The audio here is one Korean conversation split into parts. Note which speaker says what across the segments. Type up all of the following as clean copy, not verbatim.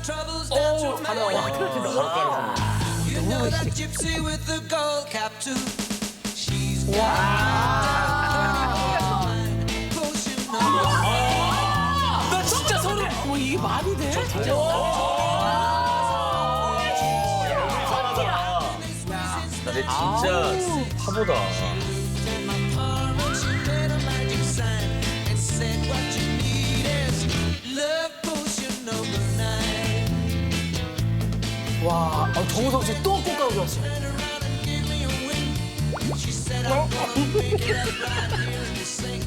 Speaker 1: 오, 다 나와.
Speaker 2: You know that gypsy with the gold cap too. She's potion number
Speaker 1: 나 진짜 소름. 뭐 이게 말이 돼?
Speaker 3: 근데 진짜 파보다.
Speaker 2: in my palm and she made a magic sign and said what you need is love potion number 9.
Speaker 1: 와, 정우성 씨 또 꽃가루 좋았어.
Speaker 2: Turn around and give me a wink. She said I'm gonna pick it up right here in the sink.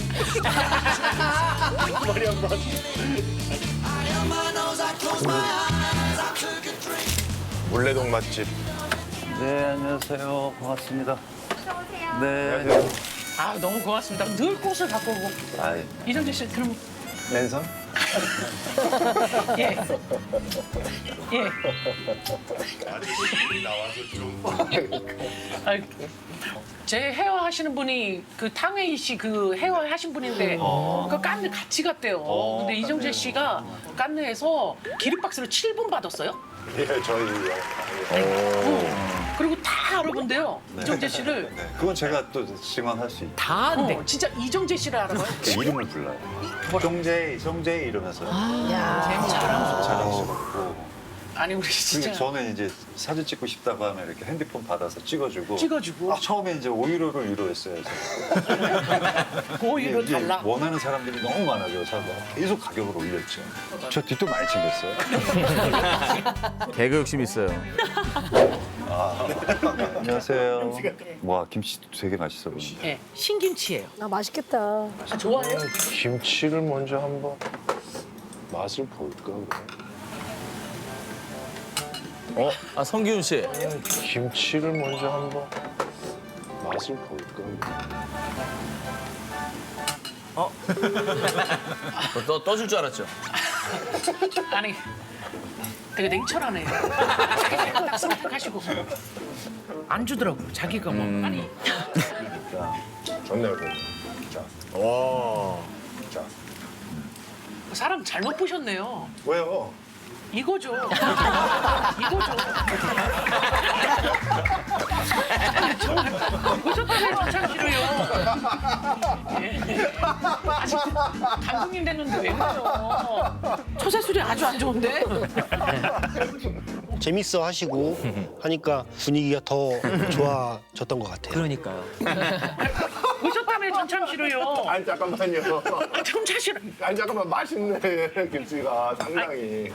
Speaker 2: I held my nose, I closed my eyes, I took a drink.
Speaker 4: 물레동 맛집.
Speaker 5: 네, 안녕하세요. 반갑습니다. 네.
Speaker 1: 아, 너무 고맙습니다. 늘 꽃을 갖고 오고.
Speaker 5: 아,
Speaker 1: 이정재 씨, 그럼
Speaker 5: 랜선?
Speaker 1: 예. 예. 아, 제 헤어 하시는 분이 그 탕웨이 씨 그 헤어 하신 분인데 그 깐느 같이 갔대요. 근데 이정재 씨가 깐느에서 기립박스를 7분 받았어요.
Speaker 4: 예, 저희.
Speaker 1: 그리고 다 알아본대요. 이정재 씨를.
Speaker 5: 네. 그건 제가 또 증언할 수 있죠.
Speaker 1: 다 안돼. 진짜 이정재 씨를 알아봐요.
Speaker 5: 이름을 불러요. 송재희 이러면서
Speaker 1: 잘하고.
Speaker 5: 자랑스럽고.
Speaker 1: 아니 우리
Speaker 5: 그리고
Speaker 1: 진짜
Speaker 5: 저는 이제 사진 찍고 싶다고 하면 이렇게 핸드폰 받아서 찍어주고.
Speaker 1: 찍어주고.
Speaker 5: 처음에 이제 5유로를 유로했어요. 제가.
Speaker 1: 고유로
Speaker 5: 이게
Speaker 1: 달라.
Speaker 5: 원하는 사람들이 너무 많아져서 계속 가격을 올렸죠. 저 뒷도 많이 챙겼어요.
Speaker 3: 개그 욕심 있어요.
Speaker 5: 안녕하세요. 와, 김치도 되게 맛있어 보이네.
Speaker 1: 예, 신김치예요.
Speaker 6: 아 맛있겠다.
Speaker 1: 아, 좋아해요?
Speaker 4: 김치를 먼저 한번 맛을 볼까?
Speaker 3: 아, 성기훈 씨.
Speaker 4: 김치를 먼저 한번 맛을 볼까?
Speaker 3: 떠줄 줄 알았죠?
Speaker 1: 아니 되게 냉철하네요. 자기가 딱 선택하시고 안 주더라고. 자기가 뭐 아니
Speaker 4: 좋네요, 자. 와. 자.
Speaker 1: 사람 잘못 보셨네요.
Speaker 4: 왜요?
Speaker 1: 이거죠. 이거죠. 보셨다면 참 싫어요. 예. 아직 감독님 됐는데 왜 그래요? 처세술이 아주 안 좋은데?
Speaker 7: 재밌어 하시고 하니까 분위기가 더 좋아졌던 것 같아요.
Speaker 8: 그러니까요.
Speaker 1: 보셨다면 전참 싫어요.
Speaker 4: 아니, 잠깐만요.
Speaker 1: 전참 싫어.
Speaker 4: 아니, 잠깐만. 맛있네, 김치가 상당히.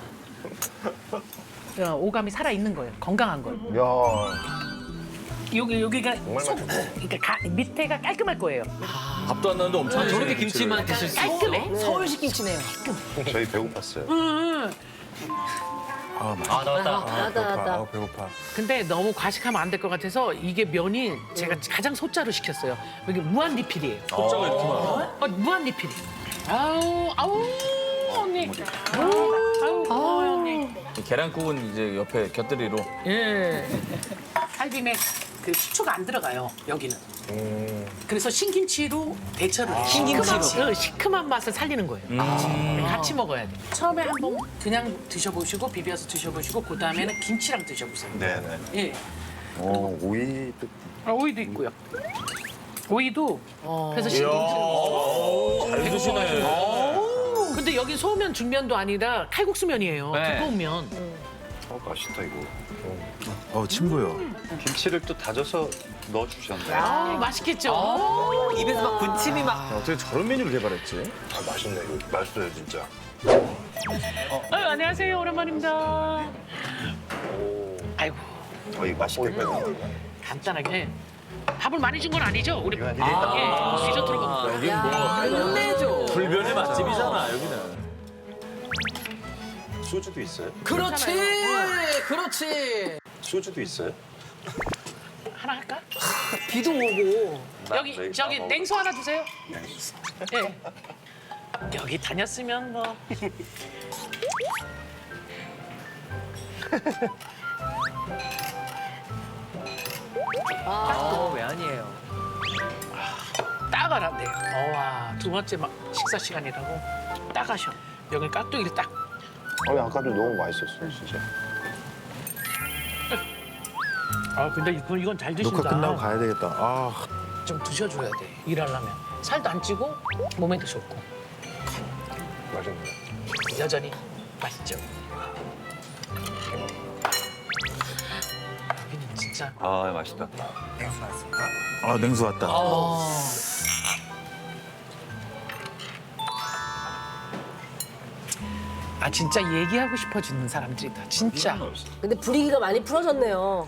Speaker 1: 오감이 살아 있는 거예요. 건강한 거예요.
Speaker 4: 야,
Speaker 1: 여기가
Speaker 4: 정말
Speaker 1: 속, 그러니까 밑에가 깔끔할 거예요.
Speaker 3: 밥도 안 나는데 엄청
Speaker 8: 저렇게 김치만 드실 수
Speaker 1: 깔끔해.
Speaker 6: 서울식 김치네요.
Speaker 5: 저희 배고팠어요.
Speaker 8: 아, 나왔다.
Speaker 6: 나다.
Speaker 1: 근데 너무 과식하면 안 될 것 같아서 이게 면이 제가 가장 소자로 시켰어요. 여기 무한 리필이에요.
Speaker 3: 소자가 이렇게 많아.
Speaker 1: 무한 리필이. 아우 언니. 아우 언니.
Speaker 3: 계란국은 이제 옆에 곁들이로.
Speaker 1: 예. 살림에 그 식초가 안 들어가요. 여기는. 그래서 신김치로 대처를 해요.
Speaker 8: 신김치로?
Speaker 1: 시큼한 맛을 살리는 거예요. 같이 먹어야 돼. 처음에 한번 그냥 드셔보시고 비벼서 드셔보시고 그 다음에는 김치랑 드셔보세요.
Speaker 5: 네네.
Speaker 1: 예.
Speaker 5: 오이도
Speaker 1: 오이도 있고요. 오이도 그래서 신김치.
Speaker 3: 잘 드시네.
Speaker 1: 근데 여기 소면 중면도 아니라 칼국수면이에요.
Speaker 8: 네.
Speaker 1: 두꺼운 면.
Speaker 5: 맛있다 이거.
Speaker 4: 친구요.
Speaker 5: 김치를 또 다져서 넣어주셨네.
Speaker 1: 아, 맛있겠죠?
Speaker 8: 입에서 막 군침이 막.
Speaker 3: 어떻게 저런 메뉴를 개발했지?
Speaker 4: 아, 맛있네. 이거 맛있어요, 진짜.
Speaker 1: 안녕하세요. 오랜만입니다. 아이고,
Speaker 5: 이거 맛있겠다.
Speaker 1: 간단하게. 밥을 많이 준 건 아니죠? 우리
Speaker 5: 이거
Speaker 1: 디저트로 먹는 거예요.
Speaker 3: 여긴 뭐
Speaker 6: 끝내줘.
Speaker 3: 불변의 맛집이잖아, 여기는.
Speaker 5: 소주도 있어요?
Speaker 6: 그렇지. 그렇지.
Speaker 5: 소주도 있어요?
Speaker 1: 하나 할까?
Speaker 6: 비도 오고.
Speaker 1: 여기 저기 냉수 하나 주세요. 예. 여기 다녔으면 뭐.
Speaker 8: 왜 아니에요?
Speaker 1: 따가란데요. 와, 두 번째 막 식사 시간이라고 따가셔. 여기 깍두기를 딱
Speaker 4: 아니 아까도 너무 맛있었어요 진짜.
Speaker 1: 아 근데 이건 잘 드신다.
Speaker 4: 녹화 끝나고 가야 되겠다. 아
Speaker 1: 좀 드셔줘야 돼. 일하려면 살도 안 찌고 몸에도 좋고
Speaker 4: 맛있네.
Speaker 1: 여전히 맛있죠. 여기는 진짜
Speaker 5: 아 맛있다.
Speaker 3: 아 냉수 왔다.
Speaker 1: 아 진짜 얘기하고 싶어지는 사람들이다. 진짜.
Speaker 6: 근데 분위기가 많이 풀어졌네요.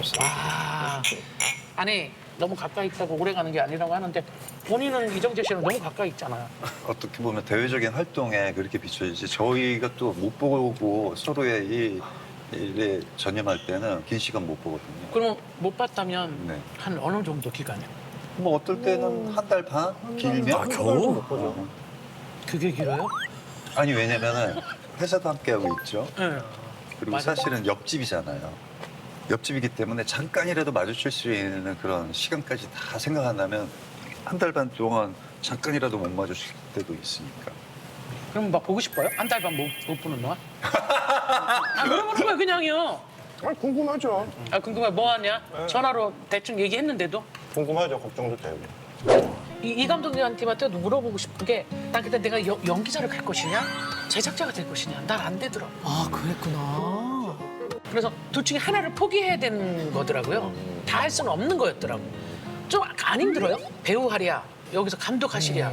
Speaker 1: 와. 아니 너무 가까이 있다고 오래 가는 게 아니라고 하는데 본인은 이정재 씨랑 너무 가까이 있잖아요.
Speaker 5: 어떻게 보면 대외적인 활동에 그렇게 비춰지지 저희가 또 못 보고 서로의 이 일에 전념할 때는 긴 시간 못 보거든요.
Speaker 1: 그러면 못 봤다면
Speaker 5: 네.
Speaker 1: 한 어느 정도 기간이요?
Speaker 5: 뭐 어떨 때는 한 달 반? 길면?
Speaker 3: 아, 겨우?
Speaker 5: 못 보죠.
Speaker 1: 그게 길어요?
Speaker 5: 아니 왜냐면은 회사도 함께 하고 있죠.
Speaker 1: 네.
Speaker 5: 그리고
Speaker 1: 맞아.
Speaker 5: 사실은 옆집이잖아요. 옆집이기 때문에 잠깐이라도 마주칠 수 있는 그런 시간까지 다 생각한다면 한 달 반 동안 잠깐이라도 못 마주칠 때도 있으니까.
Speaker 1: 그럼 막 보고 싶어요? 한 달 반 못 보는 동안? 아, 물어보는 거야 그냥요.
Speaker 4: 아 궁금하죠.
Speaker 1: 아 궁금해 뭐 하냐? 전화로 대충 얘기했는데도
Speaker 4: 궁금하죠. 걱정도 되고.
Speaker 1: 이 감독님한테도 물어보고 싶은 게 난 그때 내가 연기자를 갈 것이냐 제작자가 될 것이냐 난 안 되더라.
Speaker 6: 아, 그랬구나.
Speaker 1: 그래서 둘 중에 하나를 포기해야 되는 거더라고요. 다 할 수는 없는 거였더라고. 좀 안 힘들어요? 배우 하랴 여기서 감독하시랴.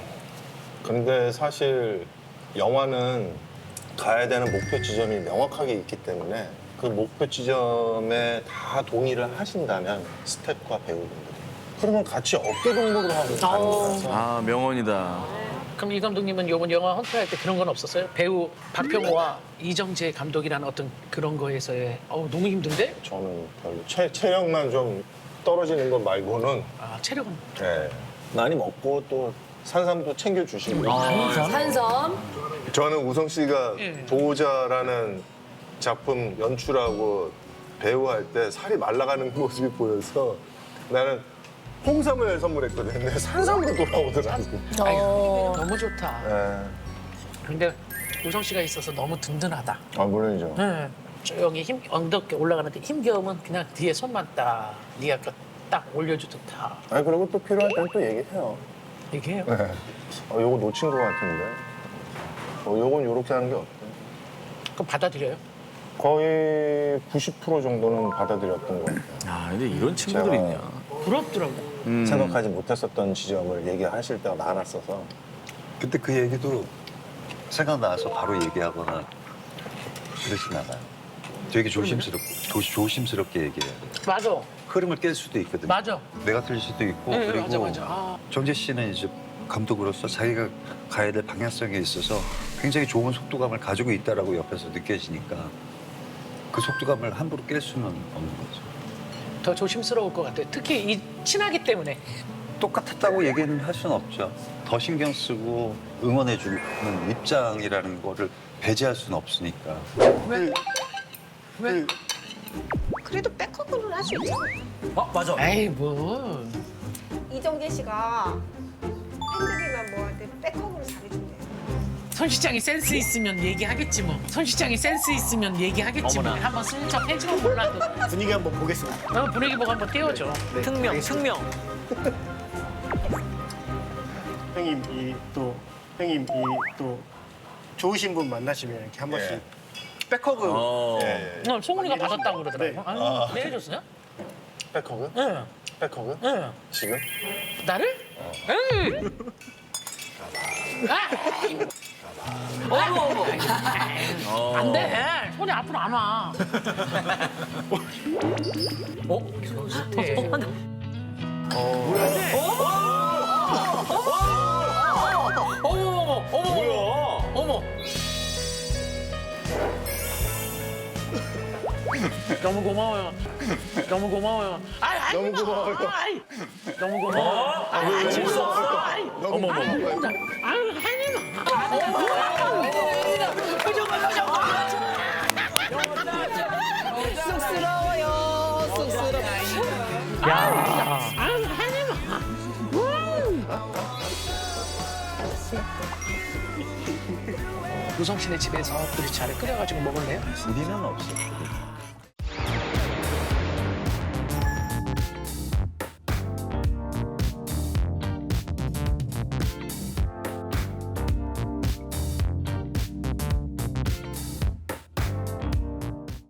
Speaker 4: 근데 사실 영화는 가야 되는 목표 지점이 명확하게 있기 때문에 그 목표 지점에 다 동의를 하신다면 스태프와 배우분들이 그러면 같이 어깨 동무를 하고 가는 거라서
Speaker 3: 아 명언이다.
Speaker 1: 그럼 이 감독님은 이번 영화 헌터할 때 그런 건 없었어요? 배우 박병호와 이정재 감독이라는 어떤 그런 거에서의 너무 힘든데?
Speaker 4: 저는 별로 체력만 좀 떨어지는 것 말고는
Speaker 1: 아 체력은
Speaker 4: 네. 많이 먹고 또 산삼도 챙겨주시고
Speaker 6: 산섬.
Speaker 4: 저는 우성 씨가
Speaker 1: 예.
Speaker 4: 보호자라는 작품 연출하고 배우할 때 살이 말라가는 모습이 보여서 나는 홍삼을 선물했거든요. 근데 산삼으로 돌아오더라고.
Speaker 1: 너무 좋다.
Speaker 4: 네.
Speaker 1: 근데 우성 씨가 있어서 너무 든든하다.
Speaker 4: 아 물론이죠.
Speaker 1: 네. 조용히 엉덩이 올라가는데 힘겨우면 그냥 뒤에 손만 딱 네가 딱 올려주듯 다
Speaker 4: 아니 그리고 또 필요할 때는 또 얘기해요.
Speaker 1: 얘기해요.
Speaker 4: 네. 요거 놓친 것 같은데. 요건 요렇게 하는 게 어때?
Speaker 1: 그럼 받아들여요?
Speaker 4: 거의 90% 정도는 받아들였던 것 같아요.
Speaker 3: 아 근데 이런 친구들
Speaker 4: 제가-
Speaker 3: 있냐.
Speaker 1: 부럽더라고.
Speaker 4: 생각하지 못했었던 지점을 얘기하실 때가 많았어서
Speaker 5: 근데 그 얘기도 생각나서 바로 얘기하거나 그러진 않아요. 되게 조심스럽게 얘기해야 돼요.
Speaker 1: 맞아.
Speaker 5: 흐름을 깰 수도 있거든요.
Speaker 1: 맞아.
Speaker 5: 내가 틀릴 수도 있고
Speaker 1: 네,
Speaker 5: 그리고
Speaker 1: 맞아, 맞아. 아.
Speaker 5: 정재 씨는 이제 감독으로서 자기가 가야 될 방향성에 있어서 굉장히 좋은 속도감을 가지고 있다라고 옆에서 느껴지니까 그 속도감을 함부로 깰 수는 없는 거죠.
Speaker 1: 더 조심스러울 것 같아요. 특히 친하기 때문에.
Speaker 5: 똑같았다고 얘기는 할 수는 없죠. 더 신경 쓰고 응원해주는 입장이라는 거를 배제할 수는 없으니까.
Speaker 1: 왜?
Speaker 9: 그래도 백허그는 할 수 있잖아.
Speaker 8: 맞아.
Speaker 1: 에이 뭐.
Speaker 9: 이정재 씨가 팬들이나 뭐 할 때 백허그를 잘해준대.
Speaker 1: 손 시장이 센스 있으면 얘기하겠지 뭐. 손 시장이 센스 있으면 얘기하겠지 뭐.
Speaker 8: 어머나.
Speaker 1: 한번 슬쩍 해주면 몰라도.
Speaker 7: 분위기 한번 보겠습니다.
Speaker 1: 분위기 보고 한번 띄워줘.
Speaker 8: 특명, 특명.
Speaker 7: 형님 형님 또 좋으신 분 만나시면 이렇게 한 번씩
Speaker 4: 백허그.
Speaker 3: 어.
Speaker 4: 예.
Speaker 1: 오늘 송은이가 받았다고 그러더라고.
Speaker 7: 네.
Speaker 1: 아유, 내 해줬어요?
Speaker 4: 백허그?
Speaker 1: 응.
Speaker 4: 백허그?
Speaker 1: 응.
Speaker 4: 지금?
Speaker 1: 나를? 응. 어머 어머. 안 돼. 손이 앞으로 안 와. 좋대. 어머 어머 어머. 너무 고마워요. 너무 고마워요. 아이,
Speaker 4: 너무 고마워요.
Speaker 1: 아이, 너무 고마워. 아이, 재밌어. 아이,
Speaker 4: 어머 어머.
Speaker 1: 아유, 혜님아. 표정 봐.
Speaker 6: 쑥스러워요. 쑥스러워.
Speaker 1: 아유, 혜님아. 우성 씨네 집에서 보리차를 끓여가지고 먹을래요?
Speaker 5: 우리는 없어.